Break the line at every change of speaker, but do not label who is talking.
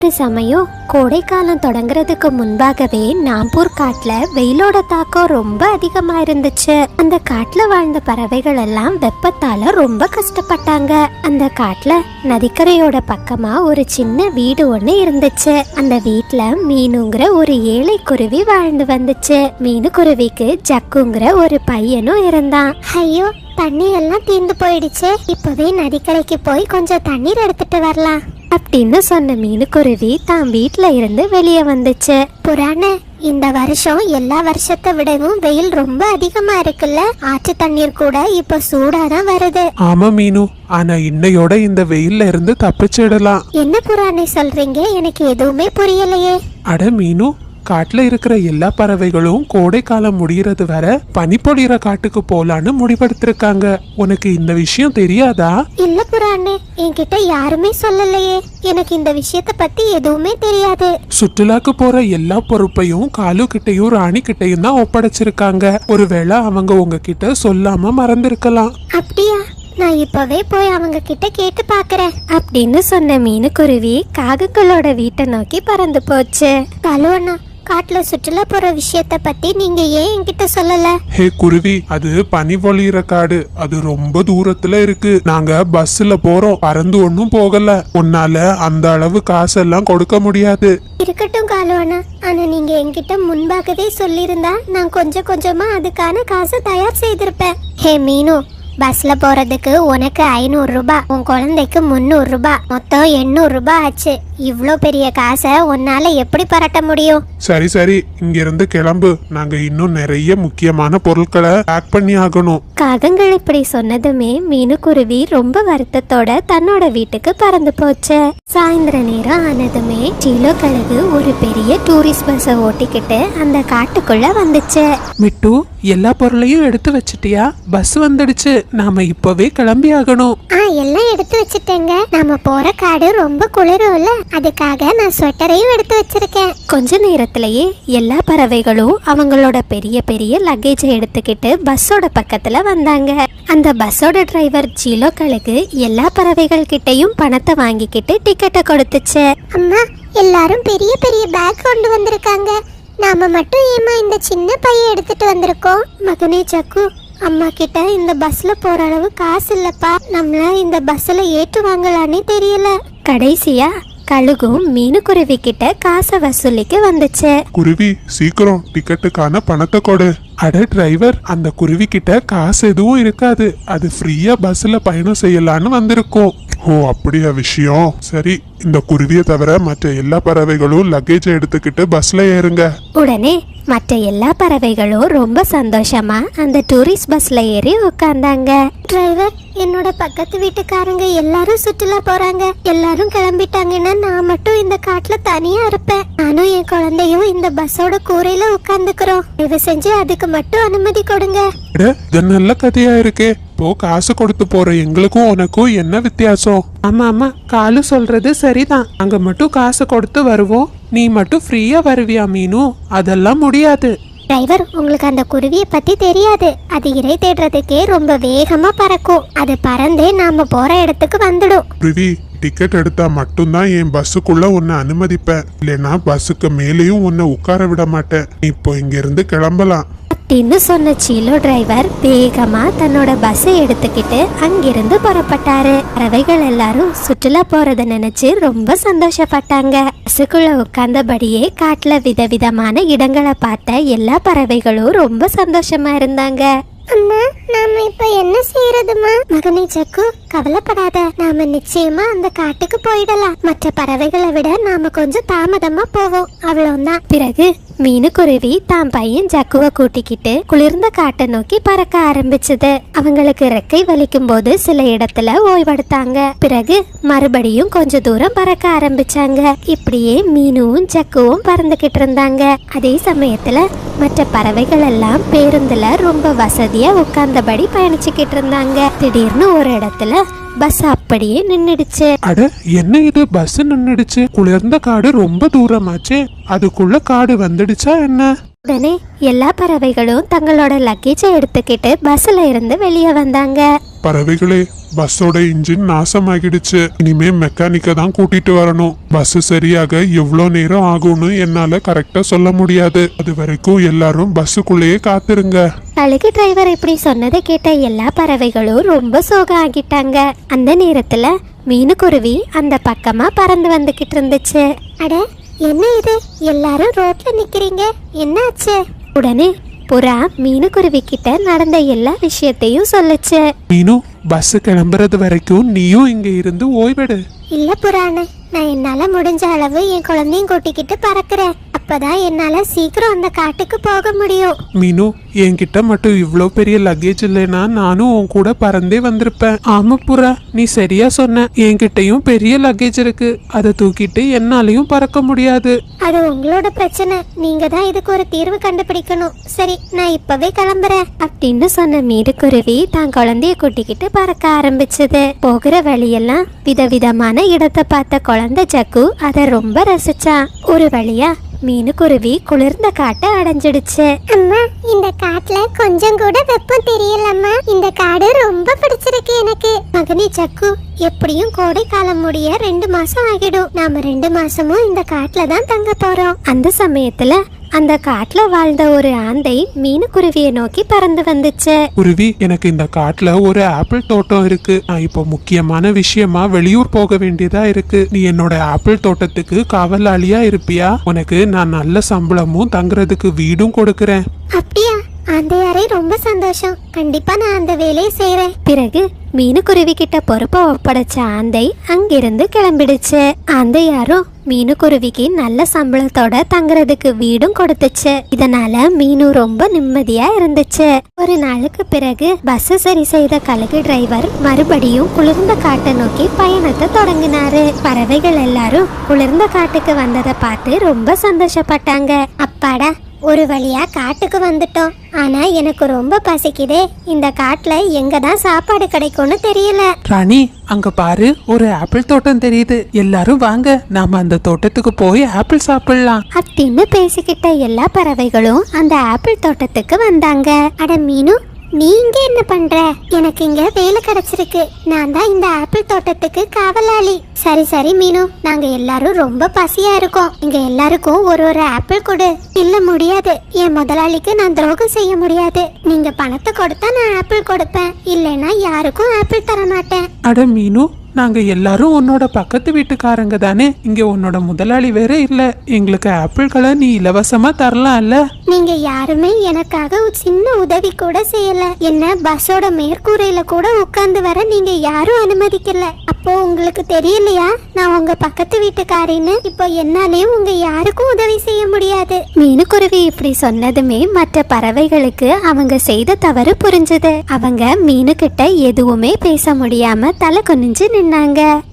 ஒரு சமயம் கோடைக்காலம் தொடங்குறதுக்கு முன்பாகவே நாம்பூர் காட்டுல வெயிலோட தாக்கம் ரொம்ப அதிகமா இருந்துச்சு. அந்த காட்டுல வாழ்ந்த பறவைகள் எல்லாம் வெப்பத்தால ரொம்ப கஷ்டப்பட்டாங்க. அந்த காட்டுல நதிக்கரையோட பக்கமா ஒரு சின்ன வீடு ஒண்ணு இருந்துச்சு. அந்த வீட்டுல மீனுங்கிற ஒரு ஏழை குருவி வாழ்ந்து வந்துச்சு. மீனு குருவிக்கு ஜக்குங்கிற ஒரு பையனும் இருந்தான். ஐயோ, தண்ணி எல்லாம் தீர்ந்து போயிடுச்சு. இப்பவே நதிக்கரைக்கு போய் கொஞ்சம் தண்ணீர் எடுத்துட்டு வரலாம் அப்படின்னு சொன்ன மீனுக்குருவி தான் வீட்டுல இருந்து வெளியே வந்துச்சு. புராண, இந்த வருஷம் எல்லா வருஷத்தை விடவும் வெயில் ரொம்ப அதிகமா இருக்குல்ல. ஆற்று தண்ணீர் கூட இப்ப சூடாதான் வருது.
ஆமா மீனு, ஆனா இன்னையோட இந்த வெயில்ல இருந்து தப்பிச்சிடலாம்.
என்ன புராணை சொல்றீங்க? எனக்கு எதுவுமே புரியலையே.
அட மீனு, காட்டுல இருக்கிற எல்லா பறவைகளும் கோடை காலம் முடியறது வர பனிப்பொழிகிற காட்டுக்கு போலான்னு முடிவெடுத்திருக்காங்க. உனக்கு இந்த விஷயம் தெரியாதா?
இல்ல புராணே, என்கிட்ட யாருமே சொல்லலையே. எனக்கு இந்த விஷயத்த பத்தி எதுவுமே தெரியாது.
சுற்றுலாக்கு போற எல்லா பொறுப்பையும் காலு கிட்டையும் ராணி கிட்டையும் தான் ஒப்படைச்சிருக்காங்க. ஒருவேளை அவங்க உங்ககிட்ட சொல்லாம மறந்திருக்கலாம்.
அப்படியா? நான் இப்பவே போய் அவங்க கிட்ட கேட்டு பாக்குறேன் அப்படின்னு சொன்ன மீனுக்குருவி காகங்களோட வீட்டை நோக்கி பறந்து போச்சு. கலுவண்ணா, காட்டுல சுற்றுலா போற விஷயத்த பத்தி நீங்க ஏன் என்கிட்ட சொல்லல?
ஹே குருவி, அது பனி பொழியிற காடு. அது ரொம்ப தூரத்துல இருக்கு. நாங்க பஸ்ல போறோம், பறந்து ஒன்னும் போகல. உன்னால அந்த அளவு காசெல்லாம் கொடுக்க முடியாது.
இருக்கட்டும் காலுவண்ணா, ஆனா நீங்க என்கிட்ட முன்பாகவே சொல்லியிருந்தா நான் கொஞ்சம் கொஞ்சமா அதுக்கான காசை தயார் செய்திருப்பேன். ஹே மீனு, பஸ்ல போறதுக்கு உனக்கு 500 ரூபாய், உன் குழந்தைக்கு 300 ரூபாய், மொத்தம் 800 ரூபாய் ஆச்சு. இவ்ளோ பெரிய காசை உன்னால எப்படி பரட்ட முடியும்?
சரி சரி, இங்க இருந்து கிளம்பு. நாங்க இன்னும் நிறைய முக்கியமான பொருட்களை பேக் பண்ணி ஆகணும்.
காகங்கள் இப்படி சொன்னதுமே மீனுக்குருவி ரொம்ப வருத்தத்தோட தன்னோட வீட்டுக்கு பறந்து போச்சு. சாயந்தர நேரம் ஆனதுமே சீலோ கழுகு ஒரு பெரிய டூரிஸ்ட் பஸ்ஸை ஓட்டிக்கிட்டு அந்த காட்டுக்குள்ள வந்துச்சு.
மிட்டு, எல்லா பொருளையும் எடுத்து வச்சிட்டியா? பஸ் வந்துடுச்சு, நாம இப்பவே கிளம்பி ஆகணும்.
எல்லாம் எடுத்து வச்சிட்டேங்க. நாம போற காடு ரொம்ப குளிரும்ல, அதுக்காக நான் ஸ்வெட்டரையும் எடுத்து வச்சிருக்கேன். கொஞ்ச நேரத்திலேயே எல்லா பறவைகளும் அவங்களோட பெரிய பெரிய லக்கேஜை எடுத்துக்கிட்டு பஸ்ஸோட பக்கத்துல வந்தாங்க. அந்த பஸ்ஸோட டிரைவர் ஜீலோ கழுகு எல்லா பறவைகள் கிட்டையும் பணத்தை வாங்கிக்கிட்டு டிக்கெட்டை கொடுத்துச்சு. அம்மா, எல்லாரும் பெரிய பெரிய பேக் கொண்டு வந்திருக்காங்க. நாம மட்டும் ஏமா இந்த சின்ன பைய எடுத்துட்டு வந்திருக்கோம்? மகனே சக்கு, அம்மா கிட்ட இந்த பஸ்ல போற அளவு காசு இல்லப்பா. நம்மள இந்த பஸ்ல ஏற்றுவாங்களானே தெரியல. கடைசியா கழுகும் மீனுக்குருவி கிட்ட காசை வசூலிக்க வந்துச்சு.
குருவி, சீக்கிரம் டிக்கெட்டுக்கான பணத்தை கொடு. அட டிரைவர், அந்த குருவி கிட்ட காசு எதுவும் இருக்காது. அது ஃப்ரீயா பஸ்ல பயணம் செய்யலான்னு வந்திருக்கோம். ஓ, அப்படியா விஷயம்? சரி, இந்த குருவியை தவிர மற்ற எல்லா பறவைகளும் லக்கேஜ் எடுத்துக்கிட்டு பஸ்ல ஏறுங்க.
உடனே மற்ற எல்லா பறவைகளும் ரொம்ப சந்தோஷமா அந்த டூரிஸ்ட் பஸ்ல ஏறி உட்கார்ந்தாங்க. டிரைவர், என்னோட பக்கத்து வீட்டுக்காரங்க எல்லாரும் சுற்றுலா போறாங்க. எல்லாரும் கிளம்பிட்டாங்கன்னா நான் மட்டும் இந்த காட்டுல தனியா இருப்பேன். நானும் என் குழந்தையும் இந்த பஸ்ஸோட கூரையில உட்கார்ந்துக்கிறோம். தயவு செஞ்சு அதுக்கு மட்டும் அனுமதி கொடுங்க.
இது நல்ல கதையா இருக்கே. இப்போ காசு கொடுத்து போற எங்களுக்கும் உனக்கும் என்ன வித்தியாசம்? ஆமா ஆமா, காலு சொல்றது சரிதான். அங்க மட்டும் காசு கொடுத்து வருவோம், நீ மட்டும் ஃப்ரீயா வருவியா மீனு? அதெல்லாம் முடியாது.
டிரைவர், உங்களுக்கு அந்த குருவியை பத்தி தெரியாது. அது இறை தேடுறதுக்கே ரொம்ப வேகமா பறக்கும். அது பறந்தே நாம போற இடத்துக்கு வந்துடும்.
குருவி, டிக்கெட் எடுத்தா மட்டும்தான் என் பஸ்ஸுக்குள்ள உன்னை அனுமதிப்பேன். இல்லைன்னா பஸ்ஸுக்கு மேலேயும் உன்னை உட்கார விட மாட்டேன். இப்போ இங்க இருந்து கிளம்பலாம்
அப்படின்னு சொன்ன சீலோ டிரைவர் வேகமா தன்னோட பஸ்ஸை எடுத்துக்கிட்டு அங்கிருந்து புறப்பட்டாரு. பறவைகள் எல்லாரும் சுற்றுலா போறத நினைச்சு ரொம்ப சந்தோஷப்பட்டாங்க. பஸ்ஸுக்குள்ள உட்கார்ந்தபடியே காட்டுல விதவிதமான இடங்களை பார்த்த எல்லா பறவைகளும் ரொம்ப சந்தோஷமா இருந்தாங்க. அம்மா, நாம இப்ப என்ன செய்யறதுமா? மகனே சக்கு, கவலைப்படாத. நாம நிச்சயமா அந்த காட்டுக்கு போயிடலாம். மற்ற பறவைகளை விட நாம கொஞ்சம் தாமதமா போவோம், அவ்வளவுதான். பிறகு மீனுக்குருவி தான் பையன் ஜக்குவை கூட்டிக்கிட்டு குளிர்ந்த காட்டை நோக்கி பறக்க ஆரம்பிச்சது. அவங்களுக்கு ரெக்கை வலிக்கும் போது சில இடத்துல ஓய்வெடுத்தாங்க. பிறகு மறுபடியும் கொஞ்ச தூரம் பறக்க ஆரம்பிச்சாங்க. இப்படியே மீனும் ஜக்குவும் பறந்துகிட்டு இருந்தாங்க. அதே சமயத்துல மற்ற பறவைகள் எல்லாம் பேருந்துல ரொம்ப வசதியா உட்கார்ந்தபடி பயணிச்சுக்கிட்டு இருந்தாங்க. திடீர்னு ஒரு இடத்துல பஸ் அப்படியே நின்னுடுச்சு.
அட, என்ன இது? பஸ் நின்னுடுச்சு. குளிர்ந்த காடு ரொம்ப தூரமாச்சு. அதுக்குள்ள காடு வந்துடுச்சா என்ன?
உடனே எல்லா பறவைகளும் தங்களோட லக்கேஜை எடுத்துக்கிட்டு பஸ்ல இருந்து வெளியே வந்தாங்க.
பறவைகளே, பஸ்ஸோட இன்ஜின் நாசமாகிடுச்சு. இனிமே மெக்கானிக்க தான் கூட்டிட்டு வரணும். பஸ் சரியாக எவ்வளவு நேரம் ஆகும்னு என்னால கரெக்டா சொல்ல முடியாது. அது வரைக்கும் எல்லாரும் பஸ்ஸுக்குள்ளேயே காத்திருங்க.
கழுகு டிரைவர் இப்படி சொன்னதை கேட்ட எல்லா பறவைகளும் ரொம்ப சோகம் ஆகிட்டாங்க. அந்த நேரத்துல மீனுக்குருவி அந்த பக்கமா பறந்து வந்துகிட்டு இருந்துச்சு. அட என்ன இது, எல்லாரும் ரோட்ல நிக்கிறீங்க, என்னாச்சு? உடனே புறா மீனுக்குருவி கிட்ட நடந்த எல்லா விஷயத்தையும் சொல்லுச்சு.
மீனு, பஸ் கிளம்புறது வரைக்கும் நீயும் இங்க இருந்து ஓய்வெடு.
இல்ல புறானு, நான் என்னால முடிஞ்ச அளவு என் குழந்தையும் கூட்டிக்கிட்டு பறக்கிறேன். அப்பதான் என்னால சீக்கிரம் அந்த காட்டுக்கு போக முடியும்.
மீனு, என்கிட்ட மட்டும் இவ்ளோ பெரிய லக்கேஜ் இல்லைன்னா நானும் உன் கூட பறந்தே வந்திருப்பேன். ஆமா புறா, நீ சரியா சொன்ன. என்கிட்டயும் பெரிய லக்கேஜ் இருக்கு. அதை தூக்கிட்டு என்னாலையும் பறக்க முடியாது.
அது உங்களோட பிரச்சனை. நீங்க தான் இதுக்கு ஒரு தீர்வு கண்டுபிடிக்கணும். சரி, நான் இப்பவே கிளம்புறேன் அப்படின்னு சொன்ன மீனுக்குருவி தான் குழந்தைய கூட்டிக்கிட்டு பறக்க ஆரம்பிச்சது. போகிற வழியெல்லாம் விதவிதமான இடத்தை பார்த்த குழந்தை ஜக்கு அதை ரொம்ப ரசிச்சான். ஒரு வழியா மீனுக்குருவி குளிர்ந்த காட்டை அடைஞ்சிடுச்சு. அம்மா, இந்த காட்டுல கொஞ்சம் கூட வெப்பம் தெரியலம்மா. இந்த காடு ரொம்ப பிடிச்சிருக்கு எனக்கு. மகனே ஜக்கு, எப்படியும் கோடை காலம் முடிய 2 மாசம் ஆகிடும். நாம 2 மாசமும் இந்த காட்டுல தான் தங்க போறோம். அந்த சமயத்துல அந்த காட்டுல வாழ்ந்த ஒரு ஆந்தை மீனுக்குருவியை நோக்கி பறந்து வந்துச்சு.
குருவி, எனக்கு இந்த காட்டுல ஒரு ஆப்பிள் தோட்டம் இருக்கு. நான் இப்போ முக்கியமான விஷயமா வெளியூர் போக வேண்டியதா இருக்கு. நீ என்னோட ஆப்பிள் தோட்டத்துக்கு காவலாளியா இருப்பியா? உனக்கு நான் நல்ல சம்பளமும் தங்குறதுக்கு வீடும் கொடுக்கறேன்.
அப்படியா? ஆந்தையாரே, ரொம்ப சந்தோஷம். கண்டிப்பா நான் அந்த வேலையை செய்யறேன். பிறகு மீனுக்குருவி கிட்ட பொறுப்பை ஒப்படைச்ச ஆந்தை அங்கிருந்து கிளம்பிடுச்சு. ஆந்தையாரும் மீனுக்குருவிக்கு நல்ல சம்பளத்தோட தங்குறதுக்கு வீடும் கொடுத்துச்சு. இதனால மீனு ரொம்ப நிம்மதியா இருந்துச்சு. ஒரு நாளுக்கு பிறகு பஸ் சரி செய்த கழுகு டிரைவர் மறுபடியும் குளிர்ந்த காட்டை நோக்கி பயணத்தை தொடங்கினாரு. பறவைகள் எல்லாரும் குளிர்ந்த காட்டுக்கு வந்ததை பார்த்து ரொம்ப சந்தோஷப்பட்டாங்க. அப்பாடா, ஒரு வழியா காட்டுக்கு வந்துட்டோம். ஆனா எனக்கு ரொம்ப பசிக்குதே. இந்த காட்டுல எங்க தான் சாப்பாடு கிடைக்கும்னு தெரியல.
ராணி, அங்க பாரு, ஒரு ஆப்பிள் தோட்டம் தெரியுது. எல்லாரும் வாங்க, நாம அந்த தோட்டத்துக்கு போய் ஆப்பிள் சாப்பிடலாம்
அப்படின்னு பேசிக்கிட்ட எல்லா பறவைகளும் அந்த ஆப்பிள் தோட்டத்துக்கு வந்தாங்க. அட மீனு, நீங்க என்ன பண்ற? எனக்கு இங்க வேலை கிடைச்சிருக்கு. நான் தான் இந்த ஆப்பிள் தோட்டத்துக்கு காவலாளி. சரி சரி மீனு, நாங்க எல்லாரும் ரொம்ப பசியா இருக்கோம். இங்க எல்லாருக்கும் ஒரு ஒரு ஆப்பிள் கொடு. இல்ல முடியாது, என் முதலாளிக்கு நான் துரோகம் செய்ய முடியாது. நீங்க பணத்தை கொடுத்தா நான் ஆப்பிள் கொடுப்பேன், இல்லைன்னா யாருக்கும் ஆப்பிள் தர மாட்டேன்.
அட மீனு, நாங்க எல்லாரும் உன்னோட பக்கத்து வீட்டுக்காரங்க தானே. இங்க உன்னோட முதலாளி வேற இல்ல. எங்களுக்கு ஆப்பிள்களை நீ இலவசமா தரலாம்ல.
நீங்க யாருமே எனக்காக ஒரு சின்ன உதவி கூட செய்யல. என்ன பஸ்ஸோட மேற்கூரையில கூட உட்கார்ந்து வர நீங்க யாரும் அனுமதிக்கல. அப்போ உங்களுக்கு தெரியலையா நான் உங்க பக்கத்து வீட்டுக்காரின்னு? இப்போ என்னாலேயும் உங்க யாருக்கும் உதவி செய்ய முடியாது. மீனுக்குருவி இப்படி சொன்னதுமே மற்ற பறவைகளுக்கு அவங்க செய்த தவறு புரிஞ்சது. அவங்க மீனு கிட்ட எதுவுமே பேச முடியாம தலை குனிஞ்சு நின்னாங்க.